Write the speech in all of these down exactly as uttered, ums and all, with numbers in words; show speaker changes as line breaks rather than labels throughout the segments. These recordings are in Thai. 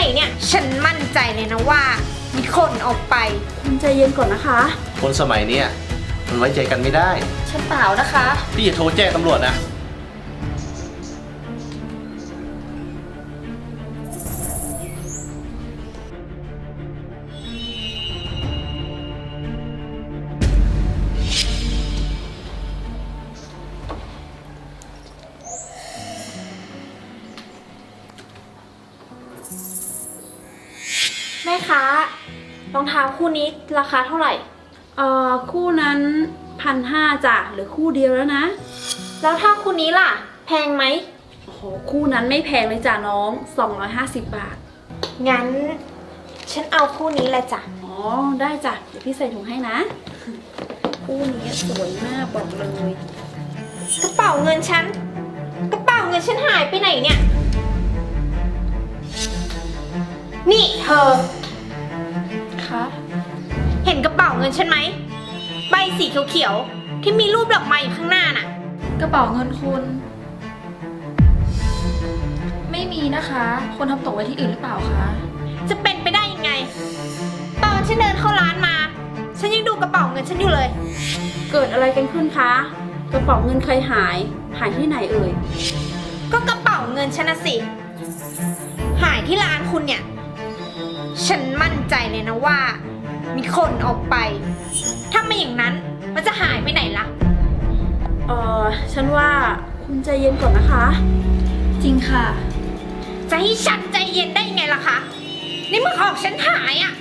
เนี่ยฉันมั่นใจเลยนะว่ามีคนเอาไป
คุณใจเย็นก่อนนะคะ
คนสมัยเนี้ยมันไว้ใจกันไม่ได้
ฉันเปล่านะคะ
พี่จะโทรแจ้งตำรวจนะ
แม่ค้ารองเท้าคู่นี้ราคาเท่าไหร่เอ่อคู่นั้นพันห้าจ้ะหรือคู่เดียวแล้วนะ
แล้วถ้าคู่นี้ล่ะแพงไหม
โอ้โหคู่นั้นไม่แพงเลยจ้ะน้องสองร้อยห้าสิบบาท
งั้นฉันเอาคู่นี้แหละจ้ะ
อ๋อได้จ้ะเดี๋ยวพี่ใส่ถุงให้นะคู่นี้สวยมากบอกเลย
กระเป๋าเงินฉันกระเป๋าเงินฉันหายไปไหนเนี่ยนี่เธอ
คะ
เห็นกระเป๋าเงินฉันไหมใบสีเขียวๆที่มีรูปดอกไม้อยู่ข้างหน้าน่ะ
กระเป๋าเงินคุณไม่มีนะคะคนทำตกไว้ที่อื่นหรือเปล่าคะ
จะเป็นไปได้ยังไงตอนฉันเดินเข้าร้านมาฉันยังดูกระเป๋าเงินฉันอยู่เลย
เกิดอะไรกันขึ้นคะกระเป๋าเงินใครหายหายที่ไหนเอ่ย
ก็กระเป๋าเงินฉันนะสิหายที่ร้านคุณเนี่ยฉันมั่นใจเลยนะว่ามีคนเอาไปถ้าไม่อย่างนั้นมันจะหายไปไหนล่ะ
เออฉันว่าคุณใจเย็นก่อนนะคะจริงค่ะ
จะให้ฉันใจเย็นได้ยังไงล่ะคะนี่เมื่อของฉันหายอ่ะ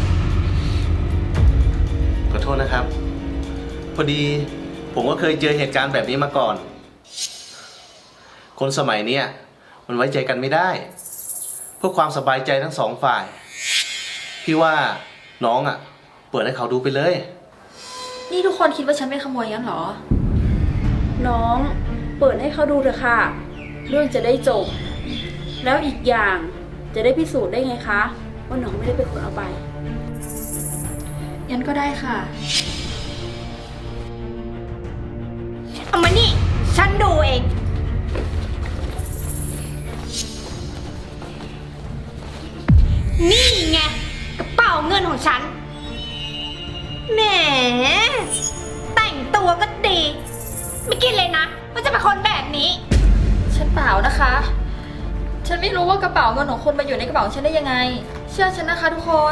ขอโทษนะครับพอดีผมก็เคยเจอเหตุการณ์แบบนี้มาก่อนคนสมัยนี้มันไว้ใจกันไม่ได้เพื่อความสบายใจทั้งสองฝ่ายพี่ว่าน้องอ่ะเปิดให้เขาดูไปเลย
นี่ทุกคนคิดว่าฉันเป็นขโมยงั้นเหรอน้องเปิดให้เขาดูเถอะค่ะเรื่องจะได้จบแล้วอีกอย่างจะได้พิสูจน์ได้ไงคะว่าน้องไม่ได้เป็นคนเอาไปงั้นก็ได้ค่ะ
เอามานี่ฉันดูเองนี่ไงกระเป๋าเงินของฉันแหมแต่งตัวก็ดีไม่คิดเลยนะว่าจะเป็นคนแบบนี้
ฉันเปล่านะคะฉันไม่รู้ว่ากระเป๋าเงินของคนมาอยู่ในกระเป๋าฉันได้ยังไงเชื่อฉันนะคะทุกคน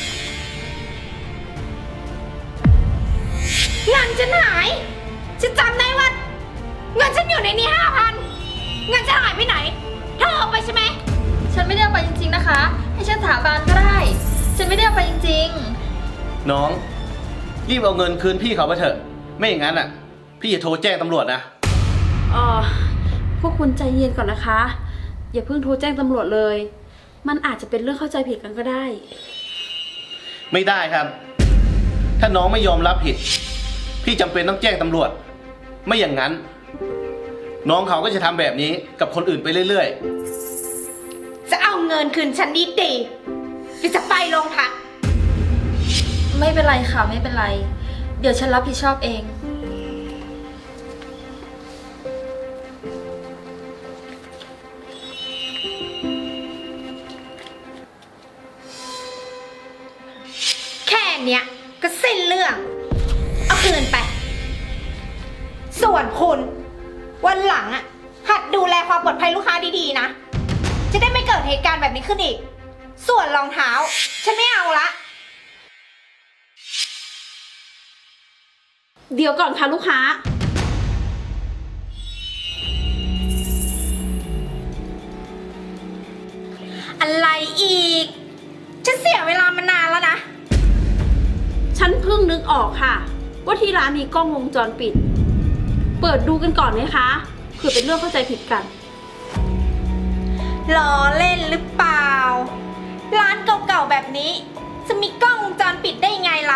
เงินฉันหายฉันจำได้ว่าเงินฉันอยู่ในนี้ห้าพันเงินฉันหายไปไหนเธอเอาไปใช่ไหม
ฉันไม่ได้เอาไปจริงๆนะคะให้ฉันสาบานก็ได้ฉันไม่ได้เอาไปจริง
ๆน้องรีบเอาเงินคืนพี่เขาไปเถอะไม่อย่างนั้นอ่ะพี่จะโทรแจ้งตำรวจนะ
อ๋อพวกคุณใจเย็นก่อนนะคะอย่าเพิ่งโทรแจ้งตำรวจเลยมันอาจจะเป็นเรื่องเข้าใจผิดกันก็ได้
ไม่ได้ครับถ้าน้องไม่ยอมรับผิดพี่จำเป็นต้องแจ้งตำรวจไม่อย่างนั้นน้องเขาก็จะทำแบบนี้กับคนอื่นไปเรื่อย
ๆจะเอาเงินคืนฉันดีดีหรือจะไปโรงพัก
ไม่เป็นไรค่ะไม่เป็นไรเดี๋ยวฉันรับผิดชอบเอง
แค่เนี้ยก็สิ้นเรื่องเอาคืนไปส่วนคุณวันหลังอ่ะหัดดูแลความปลอดภัยลูกค้าดีๆนะจะได้ไม่เกิดเหตุการณ์แบบนี้ขึ้นอีกส่วนรองเท้าฉันไม่เอาละ
เดี๋ยวก่อนค่ะลูกค้า
อะไรอีกฉันเสียเวลามานานแล้วนะ
ฉันเพิ่งนึกออกค่ะว่าที่ร้านมีกล้องวงจรปิดเปิดดูกันก่อนไหมคะเผื่อเป็นเรื่องเข้าใจผิดกัน
ล้อเล่นหรือเปล่าร้านเก่าๆแบบนี้จะมีกล้องวงจรปิดได้ไงล่ะ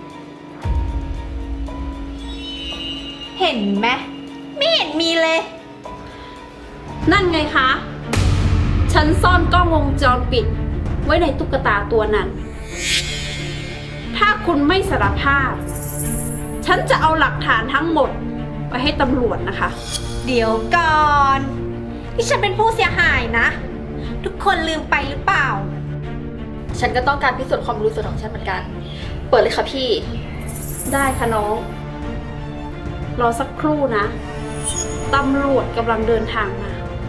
เห็นไหมไม่เห็นมีเลย
นั่นไงคะฉันซ่อนกล้องวงจรปิดไว้ในตุ๊กตาตัวนั้นถ้าคุณไม่สารภาพฉันจะเอาหลักฐานทั้งหมดไปให้ตำรวจนะคะ
เดี๋ยวก่อนที่ฉันเป็นผู้เสียหายนะทุกคนลืมไปหรือเปล่า
ฉันก็ต้องการพิสูจน์ความรู้สึกของฉันเหมือนกัน เปิดเลยค่ะพี่
ได้ค่ะน้อง รอสักครู่นะ ตำรวจกำลังเดินทางมา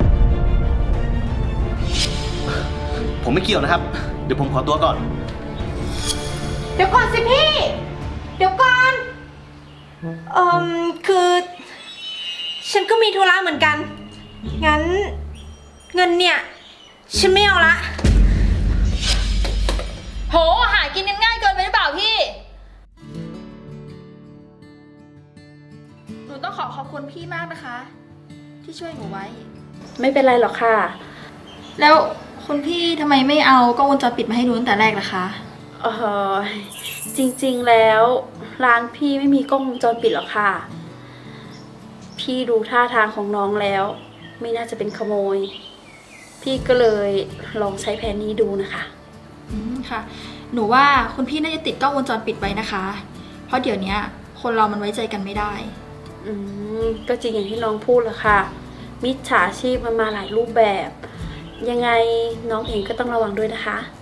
ผมไม่เกี่ยวนะครับ เดี๋ยวผมขอตัวก่อน
เดี๋ยวก่อนสิพี่ เดี๋ยวก่อน เอ่มคือ ฉันก็มีธุระเหมือนกัน งั้น เงินเนี่ย ฉันไม่เอาละ
โห หากินกันง่ายเกินไปหรือเปล่าพี่ หนูต้องขอขอบคุณพี่มากนะคะ ที่ช่วยหนูไว้
ไม่เป็นไรหรอกค่ะ
แล้วคุณพี่ทำไมไม่เอากล้องวงจรปิดมาให้ดูตั้งแต่แรกล่ะคะ
เออจริงๆแล้วร้านพี่ไม่มีกล้องวงจรปิดหรอกค่ะ พี่ดูท่าทางของน้องแล้ว ไม่น่าจะเป็นขโมย พี่ก็เลยลองใช้แผนนี้ดูนะคะ
อืมค่ะ หนูว่าคุณพี่น่าจะติดกล้องวงจรปิดไว้นะคะ เพราะเดี๋ยวนี้คนเรามันไว้ใจกันไม่ได้
อืมก็จริงอย่างที่น้องพูดแหละค่ะ มิจฉาชีพมันมาหลายรูปแบบ ยังไงน้องเองก็ต้องระวังด้วยนะคะ